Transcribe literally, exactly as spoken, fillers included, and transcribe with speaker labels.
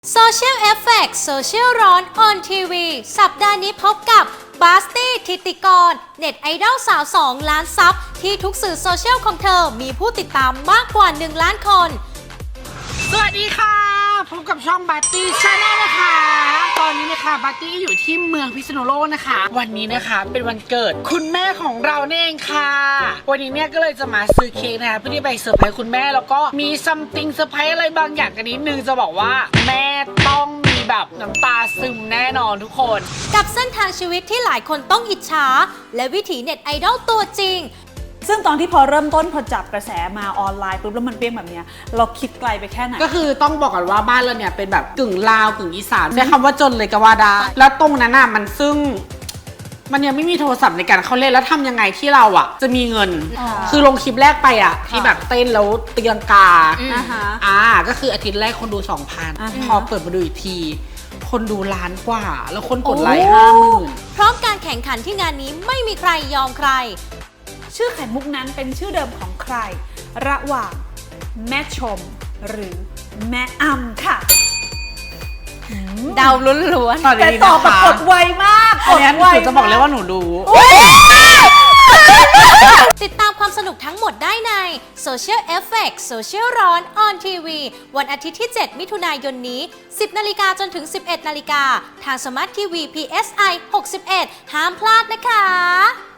Speaker 1: Social Effect Social ร้อน on ที วี สัปดาห์นี้พบกับบาสตี้ธิติกรเน็ตไอดอลสาวสองล้านซับที่ทุกสื่อโซเชียลของเธอมีผู้ติดตามมากกว่าหนึ่งล้านคน
Speaker 2: สวัสดีค่ะพบกับช่องบัตตี้ชาแนลนะคะตอนนี้นะคะบัตตี้อยู่ที่เมืองพิษณุโลกนะคะวันนี้นะคะเป็นวันเกิดคุณแม่ของเราเองค่ะวันนี้เนี่ยก็เลยจะมาซื้อเค้กนะคะเพื่อที่ไปเซอร์ไพรส์คุณแม่แล้วก็มีซัมติงเซอร์ไพรส์อะไรบางอย่างกันนิดนึงจะบอกว่าแม่ต้องมีแบบน้ำตาซึมแน่นอนทุกคน
Speaker 1: กับเส้นทางชีวิตที่หลายคนต้องอิจฉาและวิถีเน็ตไอดอลตัวจริง
Speaker 3: ซึ่งตอนที่พอเริ่มต้นพอจับกระแสมาออนไลน์ปุ๊บแล้วมันเปรี้ยงแบบเนี้ยเราคิดไกลไปแค่ไหน
Speaker 2: ก็คือต้องบอกก่อนว่าบ้านเราเนี่ยเป็นแบบกึ่งลาวกึ่งอีสานใช้คำว่าจนเลยก็ว่าได้แล้วตรงนั้นน่ะมันซึ่งมันยังไม่มีโทรศัพท์ในการเข้าเล่นแล้วทำยังไงที่เราอ่ะจะมีเงินคือลงคลิปแรกไปอ่ะที่แบบเต้นแล้วเตียงกาอ่าก็คืออาทิตย์แรกคนดู สองพัน พอเปิดมาดูอีกทีคนดูล้านกว่าแล้วคนกดไลค์ห้าหมื่น
Speaker 1: พร้อมการแข่งขันที่งานนี้ไม่มีใครยอมใคร
Speaker 3: ชื่อไข่มุกนั้นเป็นชื่อเดิมของใครระหว่างแม่ชมหรือแม่อ้ำค่ะ
Speaker 1: เดาล้วน
Speaker 3: ๆแต่ตอบแบบกดไวมาก
Speaker 2: กดไวจะบอกเลยว่าหนูรู้
Speaker 1: ติดตามความสนุกทั้งหมดได้ใน Social Effect Social ร้อน on ที วี วันอาทิตย์ที่ เจ็ด มิถุนายนนี้ สิบนาฬิกาจนถึง สิบเอ็ดนาฬิกาทางสมาร์ททีวี พี เอส ไอ หกสิบเอ็ดห้ามพลาดนะคะ